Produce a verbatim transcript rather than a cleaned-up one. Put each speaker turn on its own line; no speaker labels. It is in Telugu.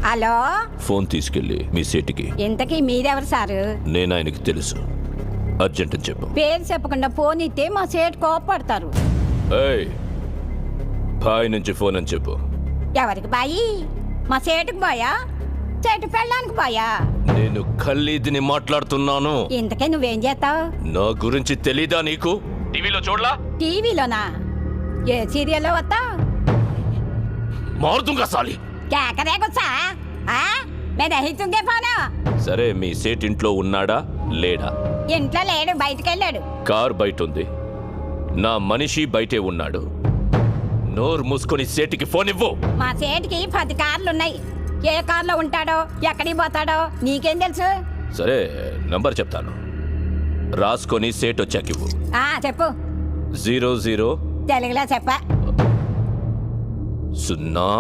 హలో,
ఫోన్ తీసుకెళ్ళి మీ సేటికి.
ఇంతకీ మీరెవరు సారు?
నేను ఆయనకి తెలుసు, అర్జెంట్ అని చెప్పు.
పేరు చెప్పకుండా ఫోన్ ఇస్తే మా సేటు కోపడతారు.
ఏయ్, బాయ్ నుంచి ఫోన్ అని చెప్పు.
ఎవరికి బాయి? మా సేటుకు బాయా, చెట్టు పెళ్ళడానికి బాయా?
నేను ఖల్లీదిని మాట్లాడుతున్నాను.
ఇంతకే నువ్వేం చేస్తావు?
నా గురించి తెలీదా నీకు? టీవీలో చూడలా?
టీవీలోనా? ఏ సీరియల్లో వస్తావు?
మారుతుంగా సాలి.
కేకరే గుచ్చా మెదహితుంగే ఫోను.
సరే, మీ సేట్ ఇంట్లో ఉన్నాడా లేడా?
ఇంట్లో లేడు, బయటికి వెళ్ళాడు.
కార్ బయట ఉంది, నా మనిషి బయటే ఉన్నాడు. నోరు మూసుకొని సేటికి ఫోన్ ఇవ్వు.
మా సేటికి పది కార్లున్నాయి. ఏ కార్లో ఉంటాడో ఎక్కడికి పోతాడో నీకేం తెలుసు?
సరే, నంబర్ చెప్తాను, రాసుకొని సేట్ వచ్చాక ఇవ్వు.
ఆ చెప్పు.
జీరో జీరో
తెలుగులో చెప్ప.
సున్నా